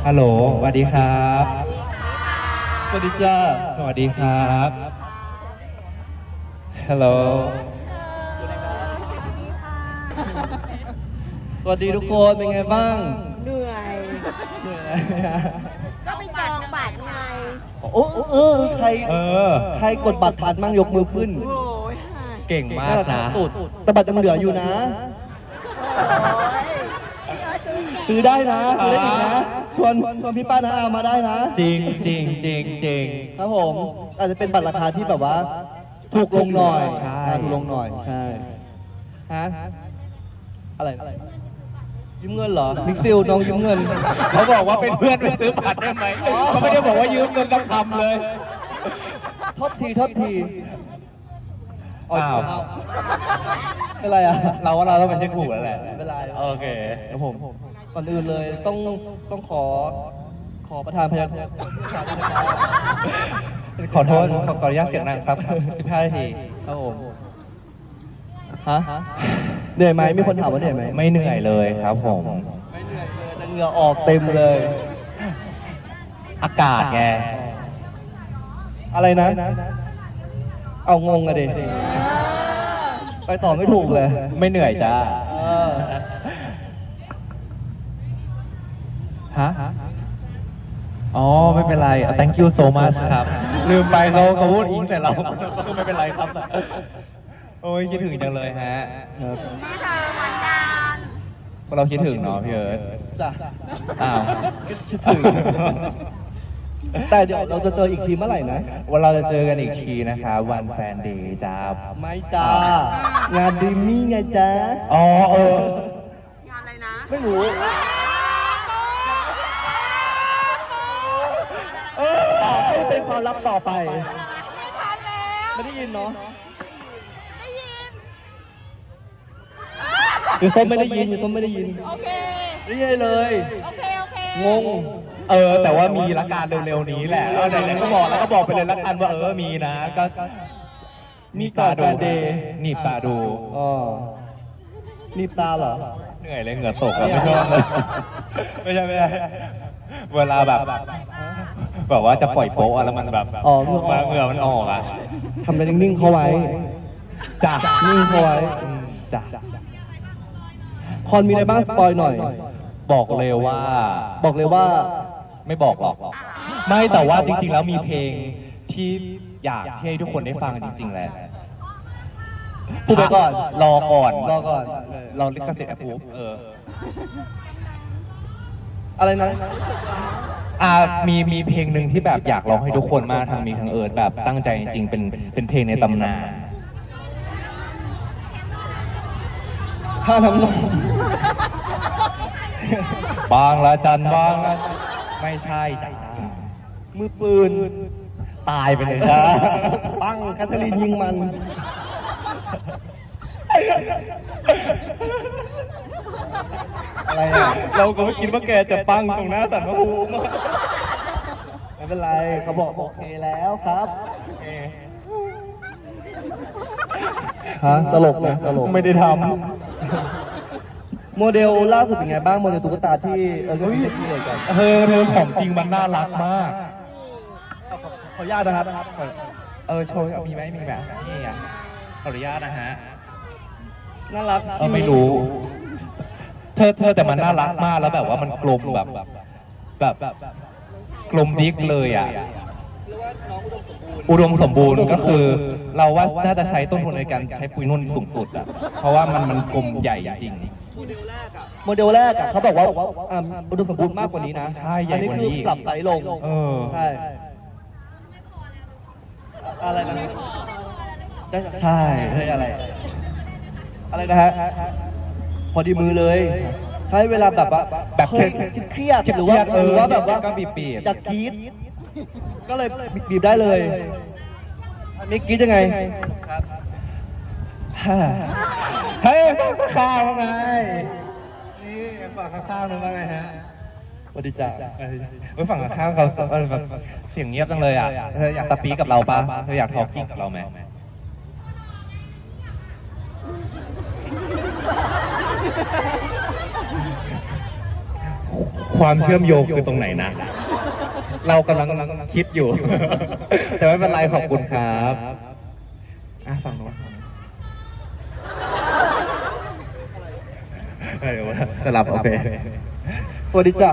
ฮัลโหลสวัสดีครับสวัสดีจ้าสวัสดีครับฮัลโหลสวัสดีทุกคนเป็นไงบ้างเหนื่อยเหนื่อยนะก็ไปจองบัตรไงโอ้ใคร ใครกดบัตรทันมั่งยกมือขึ้นโอ้ยเก่งมากนะตุดแต่บัตรยังเหลืออยู่นะ ซื้อได้นะซื้อได้อีกนะชวนพี่ป้านะอามาได้นะจริงจริงจริงจริงครับผมอาจจะเป็นบัตรราคาที่แบบว่า ถูกลงหน่อยใช่ถูกลงหน่อยใช่ฮะอะไรยืมเงินเหรอมิกซิลน้องยืมเงินเขาบอกว่าเป็นเพื่อนไปซื้อบัตรได้ไหมเขาไม่ได้บอกว่ายืมเงินกับคำเลยโทษทีอ้าวเป็นไรอ่ะเราว่าเราต้องไปเช็คหูแล้วแหละไม่เป็นไรโอเคครับผมก่อนอื่นเลยต้องขอประธานพยัญชนะขอโทษขออนุญาตเสียงดังครับ15 นาทีครับผมฮะเหนื่อยไหมมีคนถามว่าเหนื่อยไหมไม่เหนื่อยเลยครับผมไม่เหนื่อยเลยแต่เหงื่อออกเต็มเลยอากาศไงอะไรนะ เอางงอะดิไปต่อไม่ถูกเลยไม่เหนื่อยจ้าเออฮะ อ๋อ ไม่เป็นไร thank you so much ครับ ลืมไปเขาพูดอิงแต่เราก็ไม่เป็นไรครับ โอ้ยคิดถึงจังเลยฮะครับที่เธอเหมือนกันพวกเราคิดถึงเนาะพี่เอิร์ธจ้ะอ้าวคิดถึง แต่เดี๋ยวเราจะเจออีกทีเมื่อไหร่นะวันเราจะเจอกันอีกทีนะคะวันแฟนเดย์จ้าไม่จ้างานดีมี่ไงจ้าอ๋องานอะไรนะไม่รู้ ให้เป็นความลับต่อไปไม่ทันแล้วไม่ได้ยินเนาะได้ยินหรือส้มไม่ได้ยินหรือส้มไม่ได้ยินโอเคไม่ได้เลยโอเคงงแต่ว่ามีละกันเร็วๆนี้แหละไหนๆก็บอกแล้วก็บอกไปเลยละกันว่ามีนะก็มีก่อนแฟนเดย์หนีบตาดูอ๋อนีบตาเหรอเหนื่อยเลยเหงื่อตกอะไม่ชอบเลยไม่ใช่เวลาแบบว่าจะปล่อยโป๊ะอะแล้วมันแบบอ๋อเหงื่อออกเหงื่อมันออกอ่ะทำอะไรนิ่งๆเข้าไว้จ้ะนิ่งเข้าไว้จ้ะคอนมีอะไรบ้างสปอยหน่อยบอกเลยว่าบอกเลยว่าไม่บอกหรอก ไม่แต่ว่าจริงๆแล้วมีเพลงที่อยากให้ทุกคนได้ฟังจริงๆแหละพูดไปก่อนรอก่อนรอก่อนเราลิขสิทธิ์แอปพูอะไรนะมีเพลงหนึ่งที่แบบอยากร้องให้ทุกคนมากทั้งมีทั้งเอิร์ธแบบตั้งใจจริงๆเป็นเพลงในตำนานค่าน้ำนมบางละจันบางละไม่ใช่จ้ะมือปืนตายไปเลยจ้าปังแคทเธอรีนยิงมัน อะไรอ่ะเราก็ไม่คิดว่าแกจะปังตรงหน้าสันพระภูมิไม่เป็นไรเขาบอกโอเคแล้วครับฮะตลกนะตลกไม่ได้ทโมเดลล่าสุดเป็นไงบ้างโมเดลตุ๊กตาที่ก็ที่เกิดกันำเธอของจริงมันน่ารักมากขออนุญาตนะครับโชว์มีไหมมีแบบนี่อ่ะขออนุญาตนะฮะน่ารักไม่รู้ เธอแต่มันน่ารักมากแล้วแบบว่ามันกลมแบบกลมดิ๊กเลยอ่ะ อุดมสมบูรณ์ก็คือ เราว่าน่าจะใช้ต้นทุนในการใช้ปุ๋ยนุ่นสูงสุดอ่ะ เพราะว่ามันกลมใหญ่จริงโมเดลแรกอ่ะเขาบอกว่าอุดมสมบูรณ์มากกว่านี้นะใช่ใหญ่กว่านี้อัคือปรับไซส์ลง ใช่อะไรนะใช่เฮ้ยอะไรนะฮะพอดีมือเลยให้เวลาแบบว่าแบบเครียดหรือว่าแบบว่าก็บีบอยากกรี๊ดก็เลยบีบได้เลยอันนี้กรี๊ดยังไงครับเฮ้ยข้าวไงนี่ฝั่งข้าวนึงว่าไงฮะสวัสดีจ้าฝั่งข้าวเขาแบบเสียงเงียบจังเลยอ่ะเธออยากตะปีกับเราปะเธออยากทอล์กกิ้งกับเราไหมโความเชื่อมโยงคือตรงไหนนะ เรากำลังคิดอยู่ แต่ไม่เป็นไรขอบคุณครับอ่ะฝั่งโน้นเดี๋ยวสลับโอเคสวัสดีจ้ะ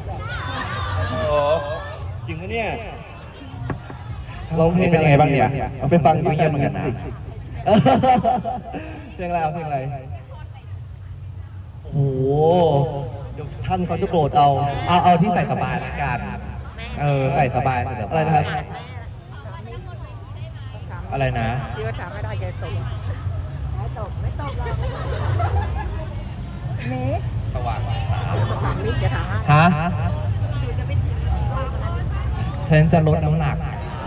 จริงปะเนี่ยร้องเพลงเป็นยังไงบ้างเนี่ยเอาไปฟังไม่เงียบเหมือนกันนะเพลงอะไรเอาเพลงอะไรโอ้โหเดี๋ยวท่านเขาจะโกรธเอาเอาที่ใส่สบายละกันใส่สบายอะไรนะครับอะไรนะคิดว่าถามไม่ได้แกตกไม่ตกหรอกเมฆสว่างถามนี่จะถามฮะฉันจะลดน้ำหนัก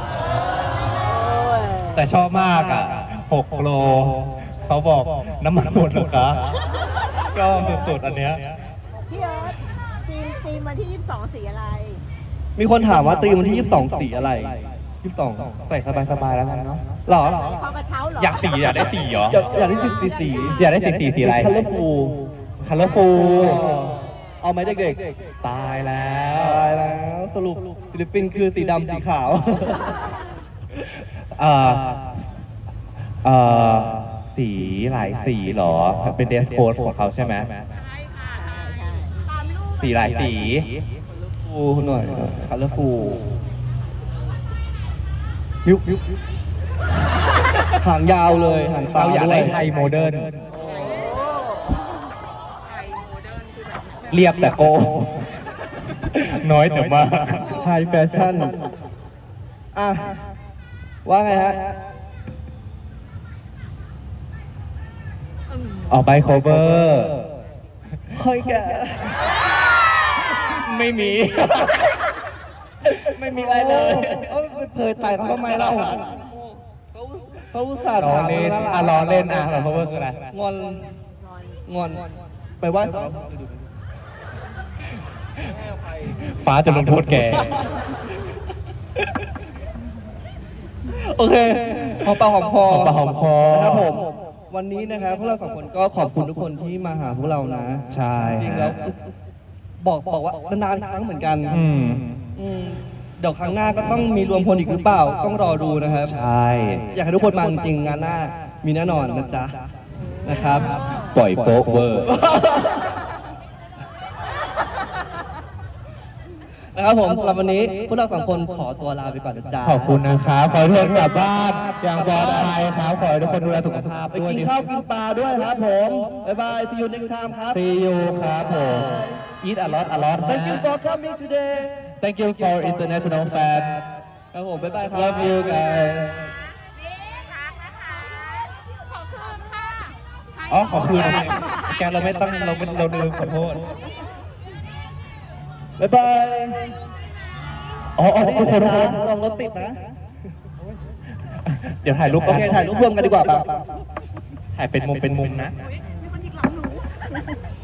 แต่ชอบมากอ่ะ6 โล เขาบอกน้ำมันหมดเหรอคะชอบสุดๆอันเนี้ยพี่เอิร์ธทีมวันที่ 22 สีอะไรมีคนถามว่าตรีมวันที่ 22 สีอะไร 22 ใส่สบายๆแล้วกันเนาะหรอเข้ากระเช้าเหรออยากได้สีเหรออยากได้สีอยากได้สีอะไรคัลเลอร์ฟูลคัลเลอร์ฟูเอาไหมเด็กตายแล้ๆวตายแล้วสรุปฟิลิปปินส์คือสีดำสีขาวเอ่อเอ่อสีหลายสีเหรอ เป็นเดสโค้ดของเขาใช่ไหม สีหลายสีฟูหน่อยคัลเลอร์ฟูลยุบหางยาวเลยหางตาเราอยากด้วได้ยไทยโมเดิร์น เรียบแต่โก น้อยแต่มากไฮแฟชั่น อ่ะ ว่าไงฮะออกไป cover เฮ้ยแกไม่มีไม่มีอะไรเลยไปเผยไต่เขาทำไมเล่าเขาอุตส่าห์ล้อถามเล่นมาอ่ะล้อเล่นอ่ะแบบ cover คืออะไรงอน ไปไหว้เขาฟ้าจะลงโทษแกโอเคหอมปากหอมคอหอมปากหอมคอนะครับผม วันนี้นะครับพวกเราสองคนก็ขอบคุณทุกคนที่มาหาพวกเรานะใช่จริงๆแล้วบอกว่านานๆครั้งเหมือนกันอืมเดี๋ยวครั้งหน้าก็ต้องมีรวมพลอีกหรือเปล่า ต้องรอดูนะครับใช่อยากให้ทุกคนมาจริงๆงานหน้ามีแน่นอนนะจ๊ะนะครับปล่อยโป๊ะเวอร์นะครับผมสำหรับวันนี้พวกเราสองคนขอตัวลาไปก่อนนะจ๊ะขอบคุณนะครับ ขอให้ทุกคนกลับบ้านอย่างปลอดภัยครับ ขอให้ทุกคนดูแลสุขภาพไปด้วยกินข้าวกินปลาด้วยครับผม บ๊ายบาย see you next time ครับ See you ครับผม Eat a lot a lot Thank you นะ for coming today Thank you for international fan ครับผม บ๊ายบายครับ Love you guys อ๋อ ขอคืนแกเราไม่ต้องเราลืมขอโทษบ๊ายบายอ๋อทุกคนลองรถติดนะเดี๋ยวถ่ายรูปโอเค ถ่ายรูปรวมกันดีกว่าป่ะถ่ายเป็นมุมนะมีคนยิงหลังหนู